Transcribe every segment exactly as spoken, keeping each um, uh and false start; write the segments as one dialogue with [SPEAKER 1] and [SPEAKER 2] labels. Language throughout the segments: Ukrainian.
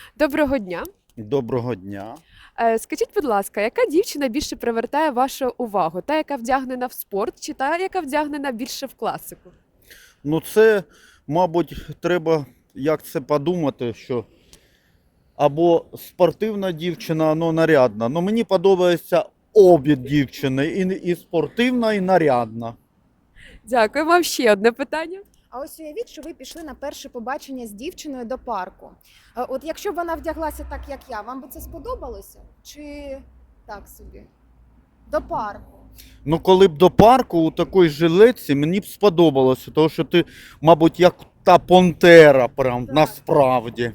[SPEAKER 1] Доброго дня.
[SPEAKER 2] Доброго дня.
[SPEAKER 1] Е, Скажіть, будь ласка, яка дівчина більше привертає вашу увагу? Та, яка вдягнена в спорт, чи та, яка вдягнена більше в класику?
[SPEAKER 2] Ну це, мабуть, треба як це подумати, що або спортивна дівчина, або нарядна. Ну мені подобається обі дівчини, і, і спортивна, і нарядна.
[SPEAKER 1] Дякую. Вам ще одне питання.
[SPEAKER 3] А ось уявіть, що ви пішли на перше побачення з дівчиною до парку. Е, От якщо б вона вдяглася так, як я, вам би це сподобалося? Чи так собі? До парку.
[SPEAKER 2] Ну коли б до парку у такій жилетці мені б сподобалося, тому що ти, мабуть, як та пантера, прям
[SPEAKER 3] Так.
[SPEAKER 2] насправді.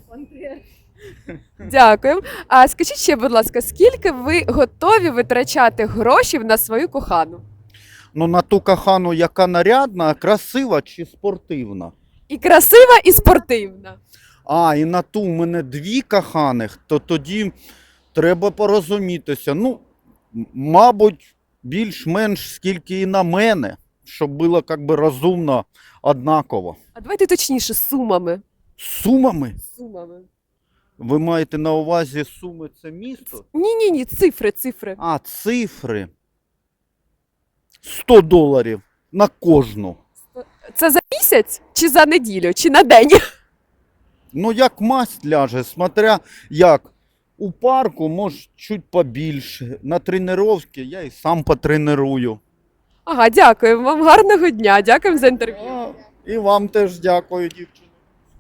[SPEAKER 1] Дякую. А скажіть ще, будь ласка, скільки ви готові витрачати гроші на свою кохану?
[SPEAKER 2] Ну на ту кохану, яка нарядна, красива чи спортивна?
[SPEAKER 1] І красива, і спортивна.
[SPEAKER 2] А, і на ту в мене дві коханих, то тоді треба порозумітися. Ну, м- мабуть, більш-менш скільки і на мене, щоб було як би розумно однаково.
[SPEAKER 1] А давайте точніше, з сумами.
[SPEAKER 2] З Сумами?
[SPEAKER 1] З Сумами.
[SPEAKER 2] Ви маєте на увазі Суми це місто?
[SPEAKER 1] Ні-ні, ні, цифри, цифри.
[SPEAKER 2] А, цифри. сто доларів на кожну.
[SPEAKER 1] Це за місяць, чи за неділю, чи на день?
[SPEAKER 2] Ну, як масть ляже, смотря як. У парку, може, чуть побільше. На тренування я і сам потренирую.
[SPEAKER 1] Ага, дякую. Вам гарного дня. Дякую за інтерв'ю.
[SPEAKER 2] А, і вам теж дякую, дівчата.